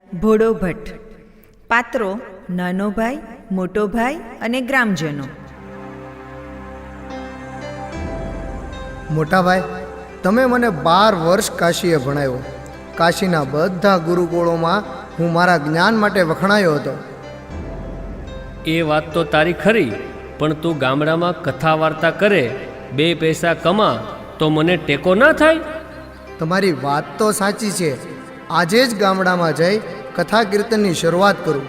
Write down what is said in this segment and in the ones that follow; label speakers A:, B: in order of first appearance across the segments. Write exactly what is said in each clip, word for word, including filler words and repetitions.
A: ભોળો ભટ્ટ. પાત્રો: નાનો ભાઈ, મોટો ભાઈ અને ગ્રામજનો.
B: મોટા ભાઈ, તમે મને બાર વર્ષ કાશીએ ભણાવ્યો. કાશીના બધા ગુરુકુળોમાં હું મારા જ્ઞાન માટે વખણાયો હતો.
C: એ વાત તો તારી ખરી, પણ તું ગામડામાં કથા વાર્તા કરે, બે પૈસા કમા, તો મને ટેકો ના થાય?
B: તમારી વાત તો સાચી છે. આજે જ ગામડામાં જઈ કથા કીર્તનની શરૂઆત કરું.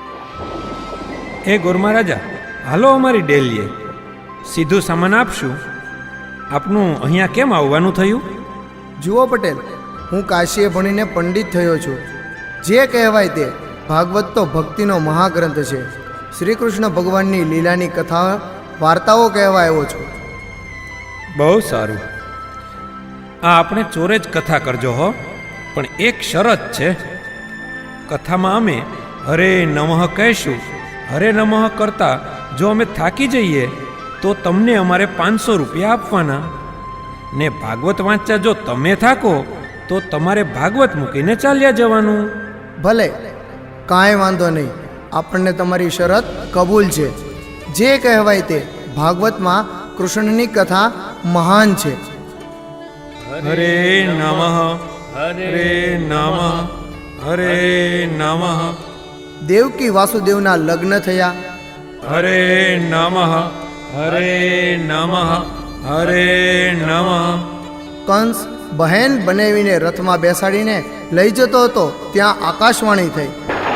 D: એ ગોરમા રાજા, હાલો અમારી ડેલીએ. સીધું સામાન આપશું. આપનું અહીંયા કેમ આવવાનું થયું?
B: જુઓ પટેલ, હું કાશીએ ભણીને પંડિત થયો છું. જે કહેવાય તે ભાગવત તો ભક્તિનો મહાગ્રંથ છે. શ્રી કૃષ્ણ ભગવાનની લીલાની કથા વાર્તાઓ કહેવા આવ્યો છું.
D: બહુ સારું. આ આપણે ચોરે જ કથા કરજો હો, પણ એક શરત છે. કથામાં અમે હરે નમઃ કહીશું. હરે નમઃ કરતા જો અમે થાકી જઈએ તો તમને અમારે પાંચસો રૂપિયા આપવાના. ને ભાગવત વાંચતા જો તમે થાકો તો તમારે ભાગવત મૂકીને ચાલ્યા જવાનું.
B: ભલે, કાંઈ વાંધો નહીં. આપણને તમારી શરત કબૂલ છે. જે કહેવાય તે ભાગવતમાં કૃષ્ણની કથા મહાન છે.
D: હરે નમઃ હરે નમઃ હરે નમઃ.
B: દેવકી વાસુદેવના લગ્ન થયા.
D: હરે નમઃ હરે નમઃ હરે નમઃ.
B: કંસ બહેન બનાવીને રથમાં બેસાડીને લઈ જતો હતો, ત્યાં આકાશવાણી થઈ.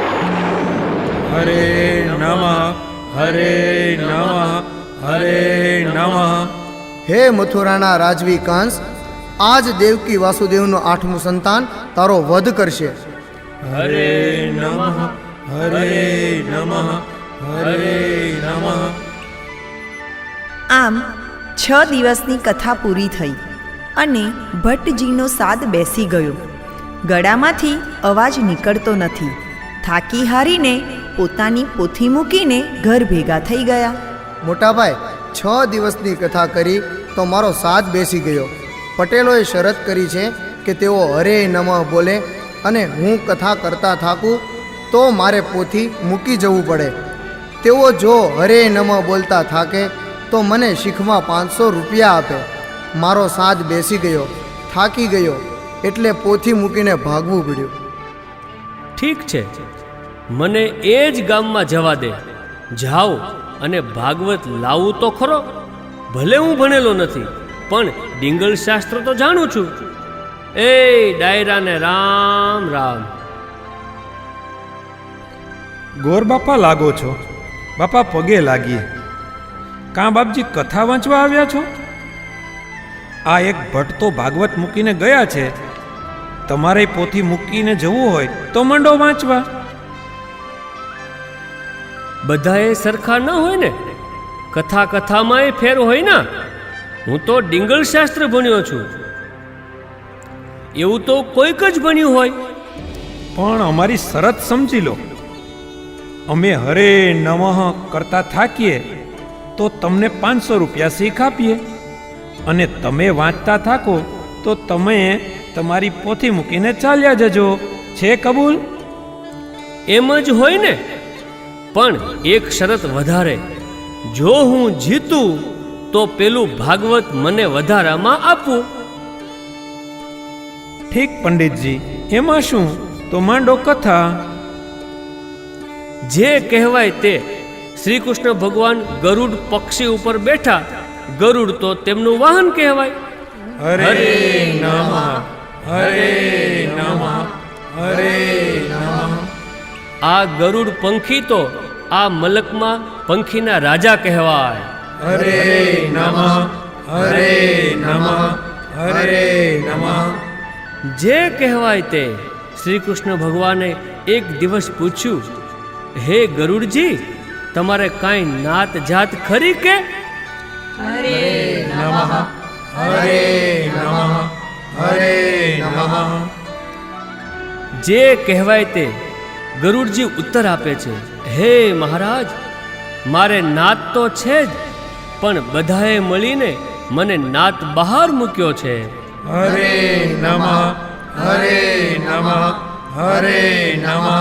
D: હરે નમઃ હરે નમઃ હરે નમઃ.
B: હે મથુરાના રાજવી કંસ, આજ દેવકી વાસુદેવનું આઠમું સંતાન તારો વધ કરશે.
D: હરે નમઃ હરે નમઃ હરે નમઃ.
A: આમ છ દિવસની કથા પૂરી થઈ અને ભટ્ટજીનો સાદ બેસી ગયો. ગળામાંથી અવાજ નીકળતો નથી. થાકી હારીને પોતાની પોથી મૂકીને ઘર ભેગા થઈ ગયા.
B: મોટાભાઈ, છ દિવસની કથા કરી તો મારો સાદ બેસી ગયો. પટેલોએ શરત કરી છે કે તેઓ હરે નમઃ બોલે, અને હું કથા કરતા થાકું તો મારે પોથી મૂકી જવું પડે. તેઓ જો હરે નમઃ બોલતા થાકે તો મને શીખમાં પાંચસો રૂપિયા આપે. મારો સાદ બેસી ગયો, થાકી ગયો, એટલે પોથી મૂકીને ભાગવું પડ્યું.
C: ઠીક છે, મને એ જ ગામમાં જવા દે. જાઓ અને ભાગવત લાવું તો ખરો. ભલે હું ભણેલો નથી, પણ ડિંગલ શાસ્ત્ર તો જાણું છું. એ ડાયરાને રામ રામ.
D: ગોર બાપા લાગો છો. બાપા પગે લાગીએ. કાં બાપજી કથા વાંચવા આવ્યા છો? આ એક ભટ્ટ તો ભાગવત મૂકીને ગયા છે. તમારે પોથી મૂકીને જવું હોય તો મંડો વાંચવા.
C: બધાએ સરખા ન હોય ને. કથા કથામાં એ ફેર હોય ને. હું તો ડિંગલ શાસ્ત્ર ભણ્યો છું. એવું તો કોઈક જ ભણ્યું હોય.
D: પણ અમારી શરત સમજી લો. અમે હરે નમઃ કરતા થાકીએ તો તમને પાંચસો રૂપિયા શીખ આપીએ, અને તમે વાંચતા થાકો તો તમે તમારી પોથી મૂકીને ચાલ્યા જજો. છે કબૂલ?
C: એમ જ હોય ને, પણ એક શરત વધારે. જો હું જીતું તો પેલું ભાગવત મને વધારામાં આપવું.
D: ઠીક પંડિતજી, એમાં શું? તો માંડો કથા.
C: જે કહેવાય તે. શ્રી કૃષ્ણ ભગવાન ગરુડ પક્ષી ઉપર બેઠા. ગરુડ તો તેમનું વાહન કહેવાય.
D: હરે નમઃ હરે નમઃ હરે નમઃ.
C: આ ગરુડ પંખી તો આ મલકમાં પંખીના રાજા કહેવાય.
D: હરે નમઃ હરે નમઃ હરે નમઃ.
C: જે કહેવાય તે. શ્રી કૃષ્ણ ભગવાને એક દિવસ પૂછ્યું, હે ગરુડજી, તમારે કાંઈ નાત જાત ખરી કે?
D: હરે નમઃ હરે નમઃ હરે નમઃ.
C: જે કહેવાય તે. ગરુડજી ઉત્તર આપે છે, હે મહારાજ, મારે નાત તો છે જ, પણ બધાએ મળીને મને નાત બહાર મૂક્યો છે.
D: હરે નમઃ હરે નમઃ હરે નમઃ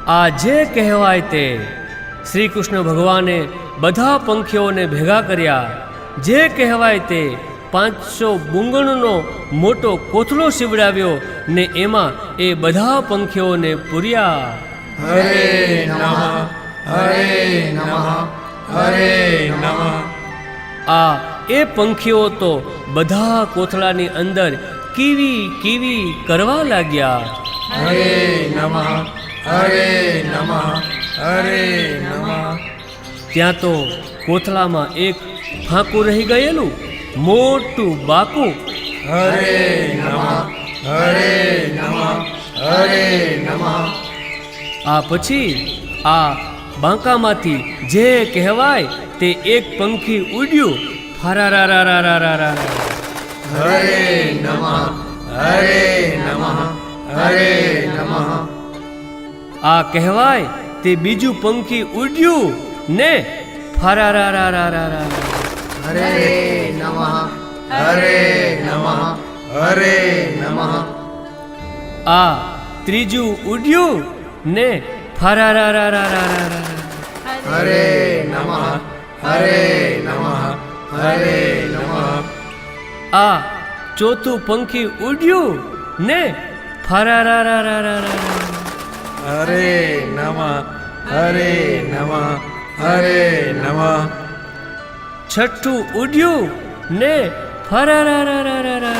C: આ જે કહેવાય તે શ્રી કૃષ્ણ ભગવાને બધા પંખીઓને ભેગા કર્યા. જે કહેવાય તે પાંચસો બુંગણનો મોટો કોથળો સીવડાવ્યો ને એમાં એ બધા પંખીઓને પૂર્યા.
D: હરે નમઃ હરે નમઃ હરે નમઃ.
C: આ એ પંખીઓ તો બધા કોથળાની અંદર કીવી કીવી કરવા લાગ્યા.
D: હરે નમઃ હરે નમઃ હરે નમઃ.
C: ત્યાં તો કોથળામાં એક ફાંકું રહી ગયેલું મોટું બાકું.
D: હરે નમઃ હરે નમઃ હરે નમઃ.
C: આ પછી આ બાંકામાંથી જે કહેવાય તે એક પંખી ઉડ્યું. ફરારારારારારા.
D: હરે નમઃ હરે નમઃ હરે નમઃ.
C: આ કહેવાય તે બીજું પંખી ઉડ્યું ને ફરારારારારા.
B: હરે નમઃ હરે નમઃ હરે નમઃ.
C: આ ત્રીજું ઉડ્યું ને ફરારારારારા.
B: હરે નમઃ હરે નમઃ હરે નમઃ.
C: આ ચોથું પંખી ઉડ્યું ને ફરારારારારા.
D: હરે નમઃ હરે નમઃ હરે નમઃ.
C: છઠ્ઠું ઉડ્યું ને ફરારારારારા.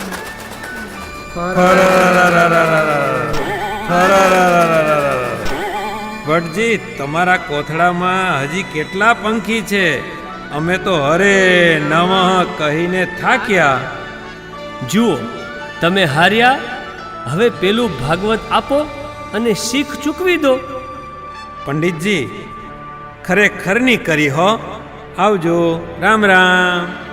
D: ભટજી, તમારા કોથળામાં હજી કેટલા પંખી છે? અમે તો હરે નમઃ કહીને થાક્યા.
C: જુઓ, તમે હાર્યા. હવે પેલું ભાગવત આપો અને શીખ ચૂકવી દો.
D: પંડિતજી, ખરેખરની કરી હો. આવજો. રામ રામ.